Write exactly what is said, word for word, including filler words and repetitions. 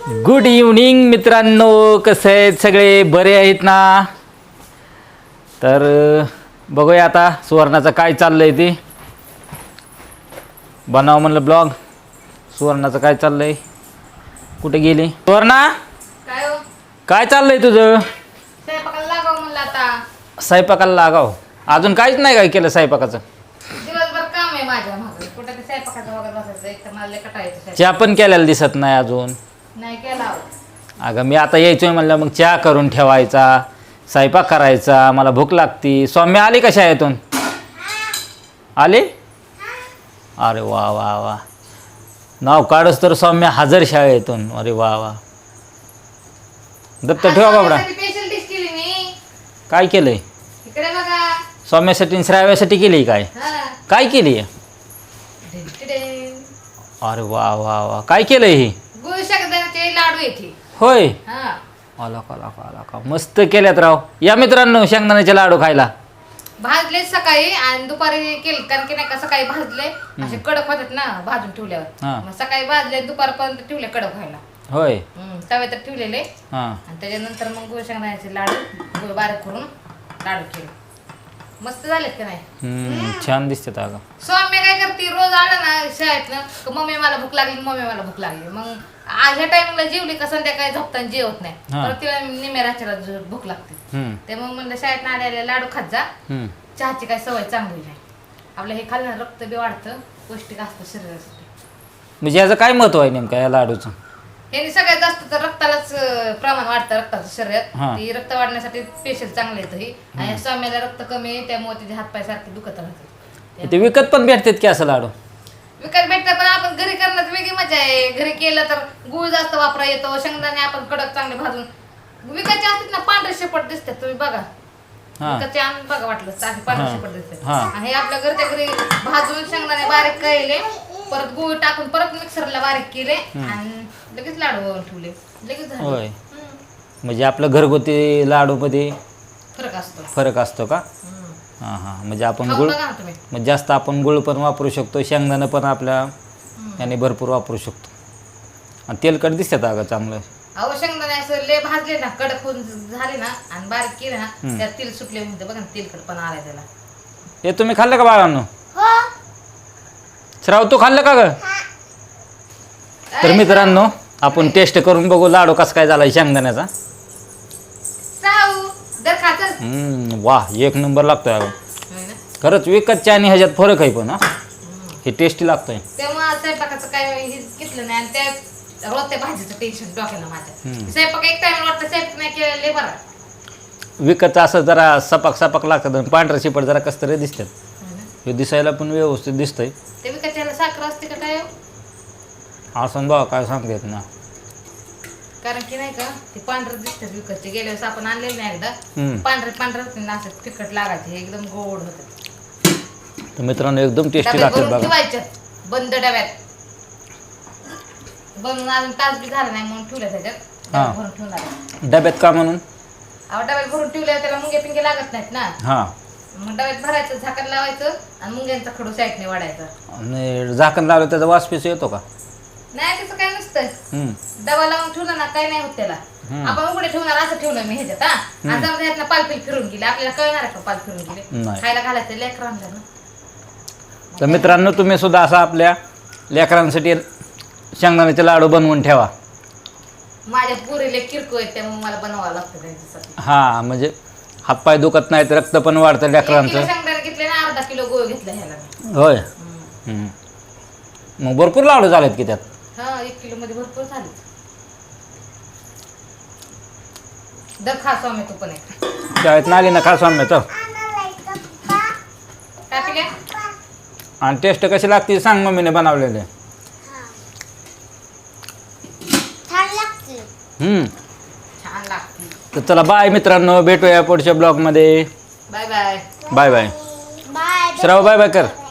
Good evening मित्रांनो, कसे आहेत सगळे? बरे आहेत ना? तर बघूया आता सुवर्णाचं काय चाललंय ते बनाव म्हणलं ब्लॉग. सुवर्णाचं काय चाललंय? कुठे गेली सुवर्णा? काय हो? काय चाललंय तुझं? स्वयंपाकाला लागाव म्हणलं आता. स्वयंपाकाला लागाव? अजून काहीच नाही काय केलं स्वयंपाकाचं? दिवसभर काम आहे माझ्या मागे. कुठं ते स्वयंपाकाचं वगैरे बसायचं, एक तर मला लय कटाळायचं स्वयंपाक. चहा पण केलेला दिसत नाही अजून. नाही केला हो. अगं मी आता यायचोय म्हणलं मग चहा करून ठेवायचा, स्वयंपाक करायचा, मला भूक लागती. सौम्य आली का शाळेतून? आली? अरे वा वा वा, नाव काढस तर सौम्य हजर शाळेतून. अरे वा वा, दत्त ठेवा बाबडा. स्पेशल डिश केली मी. काय केलंय? इकडे बघा. सौम्यासाठी आणि श्राव्यासाठी केली काय? हा. काय केली? टिडटिडे. अरे वा वा वा, काय केलंय हे? गुळ शेंगदाण्याचे लाडू येते. होय, हा. आला का आला का आला का, मस्त केल्यात राव. या मित्रांनो शेंगदाण्याचे लाडू खायला. भाजले सकाळी आणि दुपारी केले, कारण की नाही का सकाळी भाजले असे कडक होतात ना भाजून ठेवल्यावर. हा. मग सकाळी भाजले दुपारपर्यंत ठेवले कडक व्हायला. होय. हम्म, तव्यात ठेवलेले हां आणि त्याच्यानंतर मग गुळ शेंगदाण्याचे लाडू गुळ बारीक करून लाडू केले. मस्त झालेत का नाही? हम्म, छान दिसतात अगं. सौम्य काय करते, रोज आला ना शाळेतनं का मम्मी मला भूक लागली, मम्मी मला भूक लागली. मग आज ह्या टायमिंगला जेवली का संध्याकाळी झोपताना जेवत नाही. हा. परत तिला निम्या रात्रीला ज- भूक लागते. हम्म, ते मग म्हणलं शाळेत आलेले लाडू खात जा, हम्म. चहाची काय सवय चांगली नाही. आपलं हे खाल्लं ना रक्त बी वाढतं, पौष्टिक असतं शरीरासाठी. म्हणजे याचं काय महत्व आहे नेमकं या लाडूचं? हे सगळ्यात जास्त तर रक्तालाच अं, प्रमाण वाढतं रक्ताचं शरीरात. हा. ती रक्त वाढण्यासाठी स्पेशल चांगलं येतं हे. आणि सौम्याला रक्त कमी आहे त्यामुळे तिचे हातपाय सारखे दुखत राहते. ते विकत पण भेटतात की असं लाडू? विकत भेटतं पण आपण घरी करण्यात वेगळी मजा आहे. घरी केलं तर गुळ जास्त वापरा येतो, शेंगदाणे आपण कडक चांगले भाजून. विकतचे असतात ना पांढरे शेपट दिसतात, तुम्ही बघा. हा. विकतचे आणून बघा वाटलं चांगले पांढरे शेपट दिसतात. हा. आणि हे आपल्या घरच्या घरी भाजून शेंगदाणे बारीक केले, परत गुळ टाकून परत मिक्सरला बारीक केले आणि लगेच लाडू बनवून ठेवले. लगेच झाले. होय. हम्म. म्हणजे आपलं घरगुती लाडूमध्ये फरक असतो. फरक असतो का? हम्म. हां हां, म्हणजे आपण खाऊन गुळ बघा ना तुम्ही. म्हणजे जास्त आपण गुळ पण वापरू शकतो, शेंगदाणं पण आपल्या हम्म. याने भरपूर वापरू शकतो. आणि तेलकट दिसतात अगं चांगलं. अहो शेंगदाणे असं लय भाजले ना, कडक होऊन झाले ना आणि बारीक केले ना, त्यात तेल सुटले म्हणते बघा ना, तेलकटपणा आलाय त्याला. हे तुम्ही खाल्लं का बाळांनो? श्राव तू खाल्लं का ग? तर मित्रांनो आपण टेस्ट करून बघू लाडू कसा काय झाला शेंगदाण्याचा. साऊ दर खातच. हम्म, वा एक नंबर लागतोय अगं. होय ना? खरंच विकतच्या आणि ह्याच्यात फरक आहे पण हा, हे टेस्टी लागतंय. तेव्हा स्वयंपाकाचं काय हे घेतलं नाही आणि त्या रोजच्या भाजीचं टेन्शन डोक्याला माझ्या. स्वयंपाक एक टाइम वाटतं, स्वयंपाक नाही केलेले बरा. विकतचं असं जरा सपाक सपाक लागतं आणि पांढरं शिपट जरा कसं तरी दिसतात. होय ना? हे दिसायला पण व्यवस्थित दिसतंय. ते विकतच्याला साखर असते का काय हो? असं बघा काय सांगतेत ना. कारण की नाही का ते पांढरं दिसतात विकतचे. गेल्या वेळेस आपण आणलेले नाही एकदा, हम्म. पांढरे पांढरे होते ना, असं तिखट लागायचे, एकदम गोड होते. तर मित्रांनो एकदम टेस्टी डब्यात लागतात भरून बघा. ठेवायचे बंद डब्यात. बनवून अजून तास बी झाला नाही म्हणून ठेवलं त्याच्यात. हा. डब्यात भरून ठेवून आलं. डब्यात का म्हणून? अहो डब्यात भरून ठेवल्यावर त्याला मुंगे पिंगे लागत नाहीत ना. हां, मग डब्यात भरायचं, झाकण लावायचं आणि मुंग्यांचा खडू साईडने वाढायचा. आणि झाकण लावलं त्याचा वास पिस येतो का? नाही त्याचं काय नसतं. हम्म. डबा लावून ठेवलं ना काही नाही होत त्याला. आपण उघडे ठेवणार असं ठेवलं मी ह्याच्यात. हा आणि समजा ह्यातनं पालफिल फिरून गेले, आपल्याला कळणार आहे का पाल फिरून गेले? नाही. खायला घालायचं लेकरांना ना. तर मित्रांनो तुम्ही सुद्धा असा आपल्या लेकरांसाठी शेंगदाण्याचे लाडू बनवून ठेवा. माझ्या पुरीले किरकोळ आहेत त्यामुळे मला बनवावं लागतं त्यांच्यासाठी. हां, म्हणजे हातपाय दुखत नाहीत, रक्त पण वाढतं एक किलो लेकरांचं. शेंगदाणे घेतले ना, अर्धा किलो गोळ घेतला ह्याला मी. होय. हम्म. हम्म. मग भरपूर लाडू झालेत की त्यात. हा एक किलो मध्ये भरपूर झाले. दर खा स्वामी तू पण एक. शाळेत आली ना खा सौम्य तर. काय पिल्या? आणि टेस्ट कशी लागते सांग मम्मीने बनवलेले. हम्म. छान लागते. तर चला बाय मित्रांनो, भेटूया पुढच्या ब्लॉगमध्ये. Bye bye. Bye bye. श्राव बाय बाय कर.